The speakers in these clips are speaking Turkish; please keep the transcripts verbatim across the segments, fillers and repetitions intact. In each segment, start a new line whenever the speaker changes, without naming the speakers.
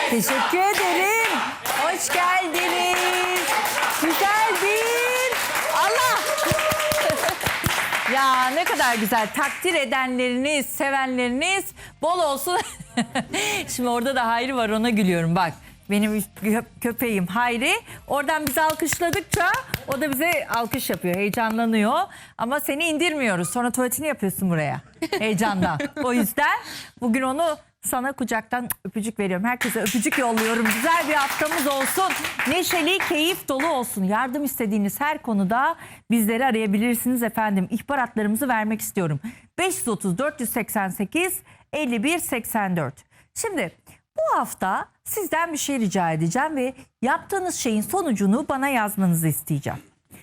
Teşekkür ederim. Hoş geldiniz. Güzeldin. Allah. Ya ne kadar güzel. Takdir edenleriniz, sevenleriniz bol olsun. Şimdi orada da Hayri var, ona gülüyorum bak. Benim köpeğim Hayri. Oradan bizi alkışladıkça o da bize alkış yapıyor. Heyecanlanıyor. Ama seni indirmiyoruz. Sonra tuvaletini yapıyorsun buraya. Heyecandan. O yüzden bugün onu sana kucaktan öpücük veriyorum. Herkese öpücük yolluyorum. Güzel bir haftamız olsun. Neşeli, keyif dolu olsun. Yardım istediğiniz her konuda bizleri arayabilirsiniz efendim. İhbaratlarımızı vermek istiyorum. beş yüz otuz dört yüz seksen sekiz elli bir seksen dört. Şimdi bu hafta sizden bir şey rica edeceğim ve yaptığınız şeyin sonucunu bana yazmanızı isteyeceğim.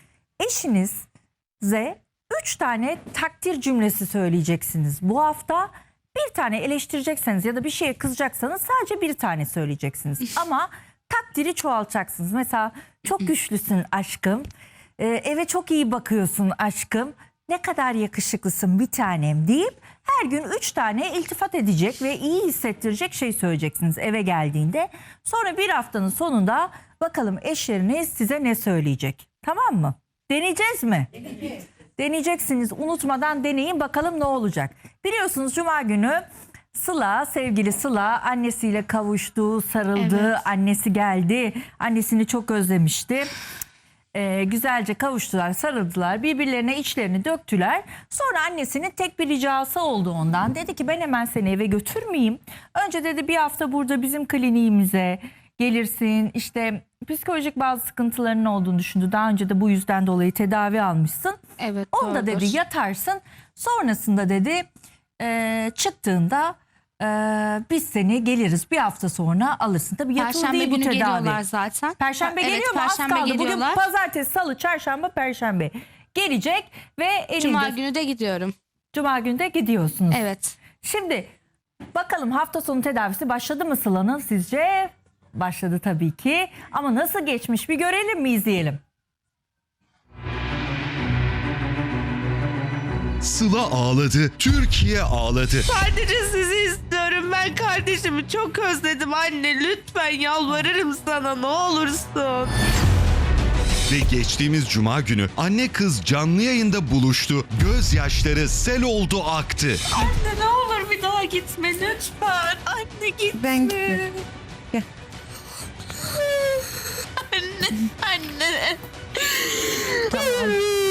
Eşinize üç tane takdir cümlesi söyleyeceksiniz. Bu hafta bir tane eleştirecekseniz ya da bir şeye kızacaksanız sadece bir tane söyleyeceksiniz. Ama takdiri çoğaltacaksınız. Mesela çok güçlüsün aşkım, ee, eve çok iyi bakıyorsun aşkım, ne kadar yakışıklısın bir tanem deyip her gün üç tane iltifat edecek ve iyi hissettirecek şey söyleyeceksiniz eve geldiğinde. Sonra bir haftanın sonunda bakalım eşleriniz size ne söyleyecek. Tamam mı? Deneyeceğiz mi? Evet. Deneyeceksiniz. Unutmadan deneyin bakalım ne olacak. Biliyorsunuz Cuma günü Sıla, sevgili Sıla annesiyle kavuştu, sarıldı. Evet. Annesi geldi. Annesini çok özlemişti. Ee, güzelce kavuştular, sarıldılar, birbirlerine içlerini döktüler. Sonra annesinin tek bir ricası oldu ondan. Dedi ki ben hemen seni eve götürmeyeyim. Önce dedi bir hafta burada bizim kliniğimize gelirsin. İşte psikolojik bazı sıkıntılarının olduğunu düşündü. Daha önce de bu yüzden dolayı tedavi almışsın.
Evet,
onda
doğrudur.
dedi yatarsın. Sonrasında dedi e, çıktığında e, biz seni geliriz. Bir hafta sonra alırsın. Tabii yatılı
Perşembe
değil bu
günü
tedavi.
geliyorlar zaten.
Perşembe
Evet,
geliyor mu? Az
Perşembe
kaldı. Bugün
geliyorlar.
pazartesi, salı, çarşamba, perşembe gelecek ve elinde...
Cuma günü de gidiyorum.
Cuma günü de gidiyorsunuz.
Evet.
Şimdi bakalım hafta sonu tedavisi başladı mı Sıla'nın sizce? Başladı tabii ki. Ama nasıl geçmiş bir görelim mi, izleyelim.
Sıla ağladı, Türkiye ağladı.
Sadece sizi istiyorum. Ben kardeşimi çok özledim anne. Lütfen yalvarırım sana, ne olursun.
Ve geçtiğimiz cuma günü anne kız canlı yayında buluştu. Gözyaşları sel oldu aktı.
Anne ne olur bir daha gitme lütfen. Anne gitme.
Ben gittim. Gel.
Anne, anne.
Tamam.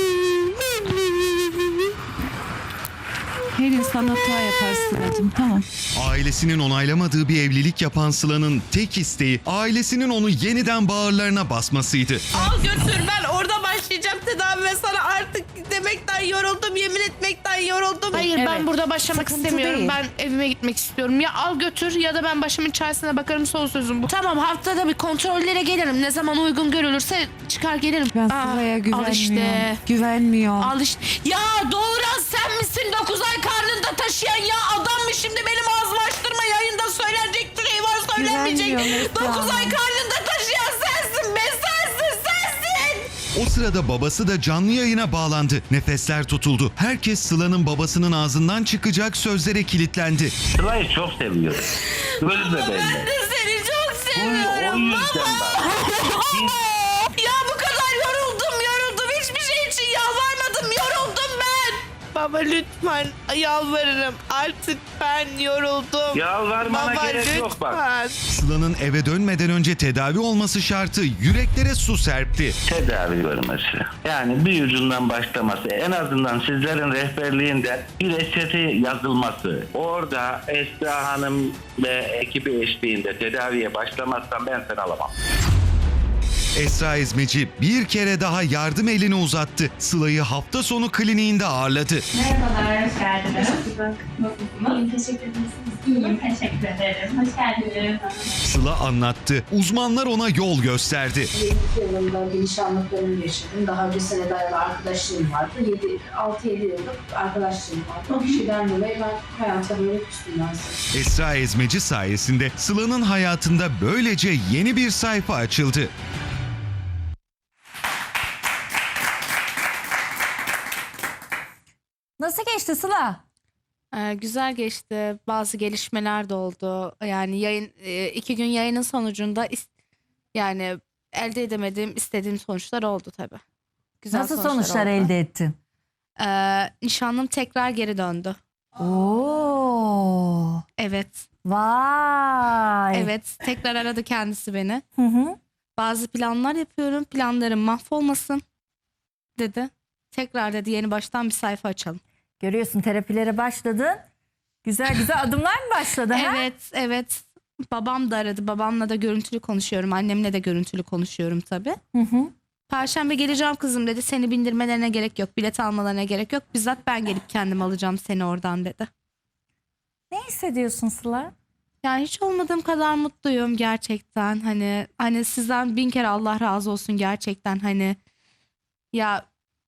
Her insan hata yapar Sıla'cığım, tamam.
Ailesinin onaylamadığı bir evlilik yapan Sıla'nın tek isteği ailesinin onu yeniden bağırlarına basmasıydı.
Al götür, ben orada başlayacağım tedavi ve sana artık demekten yoruldum, yemin etmekten yoruldum.
Hayır
Evet.
ben burada başlamak
Sıkıntı
istemiyorum.
değil.
Ben evime gitmek istiyorum. Ya al götür ya da ben başımın çaresine bakarım, son sözüm bu. Tamam, haftada bir kontrollere gelirim. Ne zaman uygun görülürse çıkar gelirim.
Ben
Aa,
Sıla'ya
Al
güvenmiyorum.
işte.
Güvenmiyorum.
Al işte. Ya doğuran sen misin? dokuz ay karnında taşıyan ya adam mı şimdi benim ağzımı açtırma, yayında söylenecek şey var söylenmeyecek.
Güvenmiyorum Esra
dokuz ay
Hanım.
karnında taşıyan sensin be, sensin sensin.
O sırada babası da canlı yayına bağlandı. Nefesler tutuldu. Herkes Sıla'nın babasının ağzından çıkacak sözlere kilitlendi.
Sıla'yı çok seviyorum. Öyle de belli.
Ben de seni çok
O, o
seviyorum
yüzden
baba.
ben.
Ya bu kadar yoruldum yoruldum. Hiçbir şey için yalvarmadım. Yoruldum ben. Baba lütfen yalvarırım. Artık ben yoruldum.
Yalvarmana
Baba
gerek
lütfen.
yok bak.
Sıla'nın eve dönmeden önce tedavi olması şartı yüreklere su serpti.
Tedavi görmesi. Yani bir ucundan başlaması. En azından sizlerin rehberliğinde bir reçete yazılması. Orada Esra Hanım ve ekibi eşliğinde tedaviye başlamazsam ben seni alamam.
Esra Ezmeci bir kere daha yardım elini uzattı. Sıla'yı hafta sonu kliniğinde ağırladı.
Merhabalar, hoş geldiniz. İyiyim, teşekkür ederim. İyiyim, teşekkür ederim. Hoş geldiniz.
Sıla anlattı. Uzmanlar ona yol gösterdi.
yirmi yılında bir nişanlıklarımı yaşadım. Daha önce senede arkadaşlığım vardı. altı yedi yıllık arkadaşlığım vardı. O kişiden dolayı ben hayata böyle küstüm aslında.
Esra Ezmeci sayesinde Sıla'nın hayatında böylece yeni bir sayfa açıldı.
Nasıl geçti Sıla?
Ee, güzel geçti. Bazı gelişmeler de oldu. Yani yayın e, iki gün yayının sonucunda is- yani elde edemediğim, istediğim sonuçlar oldu tabii. Güzel
Nasıl sonuçlar
oldu.
elde ettin?
Ee, nişanlım tekrar geri döndü.
Oo.
Evet.
Vay.
Evet. Tekrar aradı kendisi beni.
Hı hı.
Bazı planlar yapıyorum. Planlarım mahvolmasın dedi. Tekrar dedi yeni baştan bir sayfa açalım.
Görüyorsun, terapilere başladın. Güzel güzel adımlar mı başladı? ha?
Evet, evet. Babam da aradı. Babamla da görüntülü konuşuyorum. Annemle de görüntülü konuşuyorum tabii.
Hı hı.
Perşembe geleceğim kızım dedi. Seni bindirmelerine gerek yok. Bilet almalarına gerek yok. Bizzat ben gelip kendim alacağım seni oradan dedi.
Ne hissediyorsun Sıla?
Yani hiç olmadığım kadar mutluyum gerçekten. Hani hani sizden bin kere Allah razı olsun gerçekten. Hani ya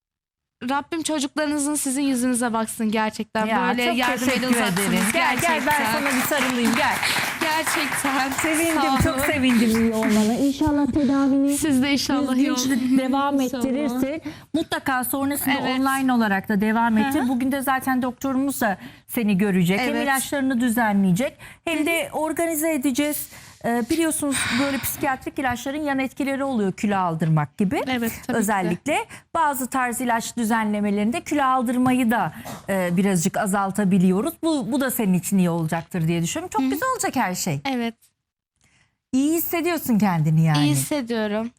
Rabbim çocuklarınızın sizin yüzünüze baksın gerçekten.
Ya,
Böyle
çok
yardım
teşekkür
eli uzatsınız.
ederim. Gel gel, ben sana bir sarılayım, gel.
Gerçekten.
Sevindim,
Sağ
çok
olun.
sevindim iyi olmana. İnşallah tedavini
Siz de inşallah iyi
düzgün
olun.
devam
İnşallah.
ettirirsin. Mutlaka sonrasında
Evet.
online olarak da devam ettir.
Hı hı.
Bugün de zaten doktorumuz da seni görecek. Hem
Evet.
ilaçlarını düzenleyecek hem de organize edeceğiz. Ee, biliyorsunuz böyle psikiyatrik ilaçların yan etkileri oluyor, kilo aldırmak gibi.
Evet, tabii ki.
Özellikle bazı tarz ilaç düzenlemelerinde kilo aldırmayı da e, birazcık azaltabiliyoruz. Bu, bu da senin için iyi olacaktır diye düşünüyorum. Çok güzel olacak her şey.
Evet.
İyi hissediyorsun kendini yani.
İyi hissediyorum.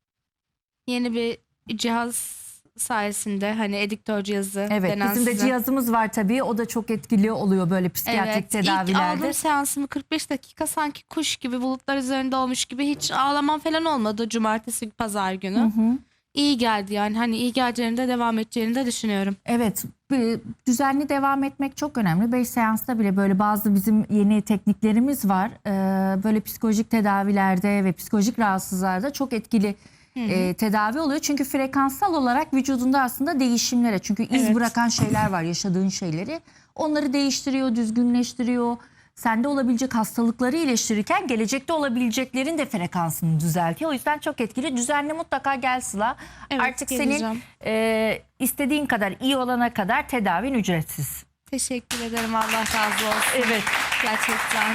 Yeni bir cihaz sayesinde hani ediktör cihazı
Evet,
denen
bizim de
size.
cihazımız var tabii. O da çok etkili oluyor böyle psikiyatrik
Evet, ilk
tedavilerde.
aldığım seansımı kırk beş dakika sanki kuş gibi bulutlar üzerinde olmuş gibi hiç ağlamam falan olmadı cumartesi pazar günü.
Hı hı.
İyi geldi yani hani iyi geleceğini de devam edeceğini de düşünüyorum.
Evet, bir- düzenli devam etmek çok önemli. Beş seansta bile böyle bazı bizim yeni tekniklerimiz var. Ee, böyle psikolojik tedavilerde ve psikolojik rahatsızlarda çok etkili e, tedavi oluyor. Çünkü frekanssal olarak vücudunda aslında değişimlere, çünkü iz
Evet.
bırakan şeyler var, yaşadığın şeyleri. Onları değiştiriyor, düzgünleştiriyor. Sende olabilecek hastalıkları iyileştirirken gelecekte olabileceklerin de frekansını düzeltiyor. O yüzden çok etkili. Düzenli mutlaka gel Sıla.
Evet,
Artık
geleceğim.
senin e, istediğin kadar iyi olana kadar tedavin ücretsiz.
Teşekkür ederim, Allah razı olsun.
Evet.
Gerçekten.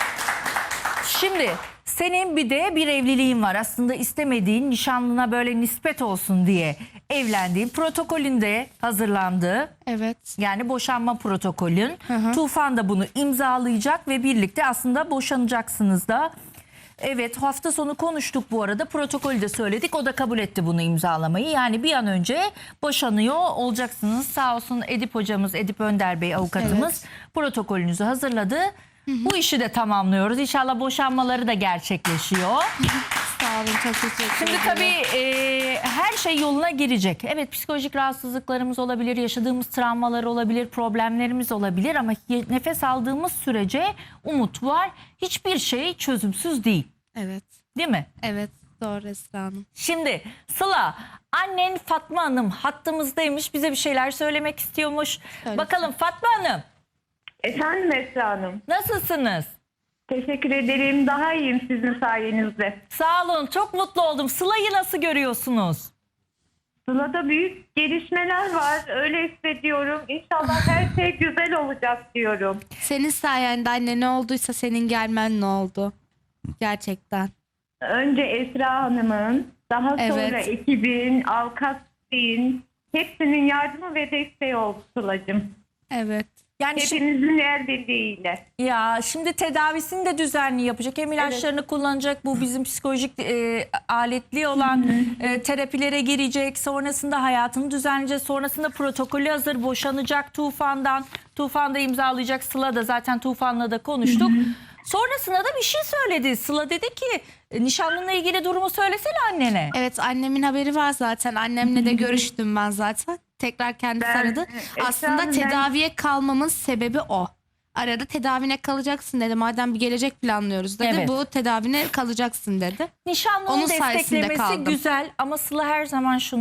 Şimdi senin bir de bir evliliğin var. Aslında istemediğin, nişanlına böyle nispet olsun diye evlendiğin, protokolünde hazırlandığı,
Evet.
yani boşanma protokolün.
hı.
Tufan da bunu imzalayacak ve birlikte aslında boşanacaksınız da. Evet, hafta sonu konuştuk bu arada. Protokolü de söyledik. O da kabul etti bunu imzalamayı. Yani bir an önce boşanıyor olacaksınız. Sağ olsun Edip hocamız, Edip Önder Bey avukatımız protokolünüzü hazırladı. Bu işi de tamamlıyoruz. İnşallah boşanmaları da gerçekleşiyor.
Sağ olun, çok teşekkür
Şimdi
ederim.
tabii e, her şey yoluna girecek. Evet, psikolojik rahatsızlıklarımız olabilir, yaşadığımız travmalar olabilir, problemlerimiz olabilir ama ye- nefes aldığımız sürece umut var. Hiçbir şey çözümsüz değil.
Evet.
Değil mi?
Evet. Doğru Esra Hanım.
Şimdi Sıla, annen Fatma Hanım hattımızdaymış. Bize bir şeyler söylemek istiyormuş.
Söylesin.
Bakalım Fatma Hanım,
Efendim Esra Hanım.
nasılsınız?
Teşekkür ederim. Daha iyiyim sizin sayenizde.
Sağ olun, çok mutlu oldum. Sıla'yı nasıl görüyorsunuz?
Sıla'da büyük gelişmeler var. Öyle hissediyorum. İnşallah her şey güzel olacak diyorum.
Senin sayende anne, ne olduysa senin gelmen ne oldu? Gerçekten.
Önce Esra Hanım'ın, daha sonra
Evet.
ekibin, avukat Bey'in, hepsinin yardımı ve desteği oldu Sıla'cığım.
Evet.
Yani şimdi,
Hepinizin el birliğiyle.
ya şimdi tedavisini de düzenli yapacak. Hem ilaçlarını kullanacak. Bu bizim psikolojik e, aletli olan e, terapilere girecek. Sonrasında hayatını düzenleyecek. Sonrasında protokolü hazır. Boşanacak Tufan'dan. Tufan da imzalayacak. Sıla da zaten Tufan'la da konuştuk. Sonrasında da bir şey söyledi. Sıla dedi ki e, nişanlınla ilgili durumu söylesene annene.
Evet, annemin haberi var zaten. Annemle de görüştüm ben zaten. Tekrar kendisi
Ben-
aradı.
Esra
Aslında
Hanım, ben-
tedaviye kalmamın sebebi o. Arada tedavine kalacaksın dedi. Madem bir gelecek planlıyoruz dedi.
Evet.
Bu tedavine kalacaksın dedi.
Nişanlının
Onun sayesinde
desteklemesi
kaldım.
güzel ama Sıla her zaman şunu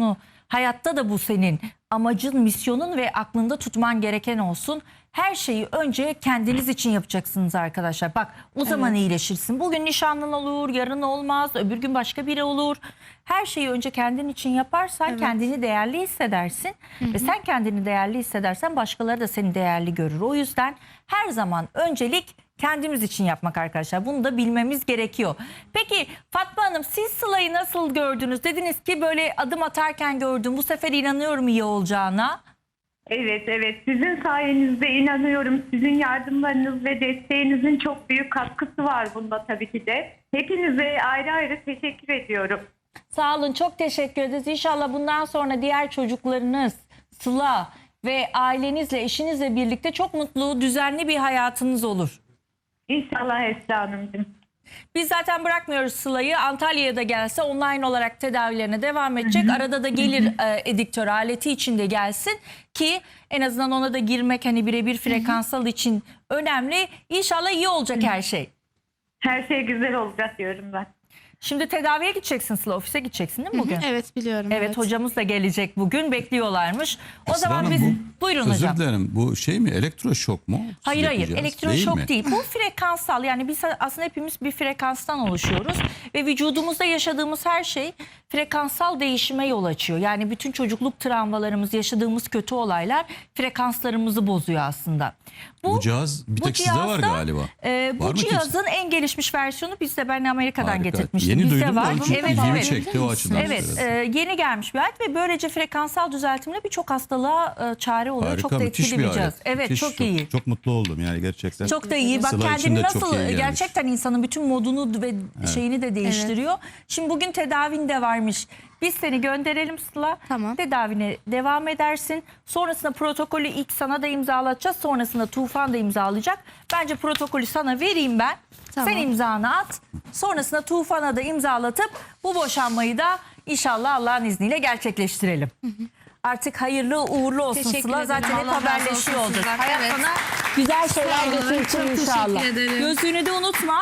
Hayatta da bu senin amacın, misyonun ve aklında tutman gereken olsun. Her şeyi önce kendiniz için yapacaksınız arkadaşlar. Bak o zaman iyileşirsin. Bugün nişanlın olur, yarın olmaz, öbür gün başka biri olur. Her şeyi önce kendin için yaparsan kendini değerli hissedersin. Ve sen kendini değerli hissedersen başkaları da seni değerli görür. O yüzden her zaman öncelik kendimiz için yapmak arkadaşlar. Bunu da bilmemiz gerekiyor. Peki Fatma Hanım, siz Sıla'yı nasıl gördünüz? Dediniz ki böyle adım atarken gördüm. Bu sefer inanıyorum iyi olacağına.
Evet, evet. Sizin sayenizde inanıyorum. Sizin yardımlarınız ve desteğinizin çok büyük katkısı var bunda tabii ki de. Hepinize ayrı ayrı teşekkür ediyorum.
Sağ olun, çok teşekkür ederiz. İnşallah bundan sonra diğer çocuklarınız, Sıla ve ailenizle, eşinizle birlikte çok mutlu, düzenli bir hayatınız olur.
İnşallah Esra Hanımcığım.
Biz zaten bırakmıyoruz Sıla'yı. Antalya'ya da gelse online olarak tedavilerine devam edecek. Hı hı. Arada da gelir e, ediktör aleti içinde gelsin ki en azından ona da girmek hani birebir frekansal için önemli. İnşallah iyi olacak her şey.
Her şey güzel olacak diyorum ben.
Şimdi tedaviye gideceksin Sıla, ofise gideceksin değil mi bugün?
Evet biliyorum.
Evet,
evet.
hocamız da gelecek bugün, bekliyorlarmış. O
Esra
zaman
Hanım,
biz
bu-
buyurun
Özür
hocam.
dilerim, bu şey mi, elektroşok mu?
Hayır hayır,
Yapacağız,
elektroşok
mi?
değil, bu frekansal, yani biz aslında hepimiz bir frekanstan oluşuyoruz ve vücudumuzda yaşadığımız her şey frekansal değişime yol açıyor. Yani bütün çocukluk travmalarımız, yaşadığımız kötü olaylar frekanslarımızı bozuyor aslında.
Bu cihaz bir
bu
tek sizde var
cihazda,
galiba.
e,
Var
bu
mı kimse?
cihazın en gelişmiş versiyonu bizde, ben Amerika'dan
Harika.
getirtmiştim.
Yeni
Bizde
duydum da
var.
onun için
Evet,
ilgimi
evet.
çekti o açıdan.
Evet,
söylüyorum.
e, yeni gelmiş bir alet ve böylece frekansal düzeltimle birçok hastalığa e, çare oluyor.
Harika,
çok da
müthiş
etkili
bir
bir cihaz.
alet.
Evet,
Müthiş,
çok iyi.
Çok mutlu oldum yani gerçekten.
Çok da iyi. Bak
Sıla için
kendini
de çok
nasıl,
iyi gelmiş.
gerçekten insanın bütün modunu ve şeyini de değiştiriyor. Şimdi bugün tedavin de varmış. Biz seni gönderelim Sıla.
Tamam.
Tedavine devam edersin. Sonrasında protokolü ilk sana da imzalatacağız. Sonrasında Tufan da imzalayacak. Bence protokolü sana vereyim ben.
Tamam.
Sen imzanı at. Sonrasında Tufan'a da imzalatıp bu boşanmayı da inşallah Allah'ın izniyle gerçekleştirelim. Artık hayırlı uğurlu olsun
Teşekkür
Sıla.
ederim.
Zaten hep
Allah razı
haberleşiyor
olsun
olacak.
sizden.
Hayat
Evet.
sana güzel şeyler
Sağ olun,
getirecek
çok
inşallah.
teşekkür ederim.
Gözlüğünü de unutma.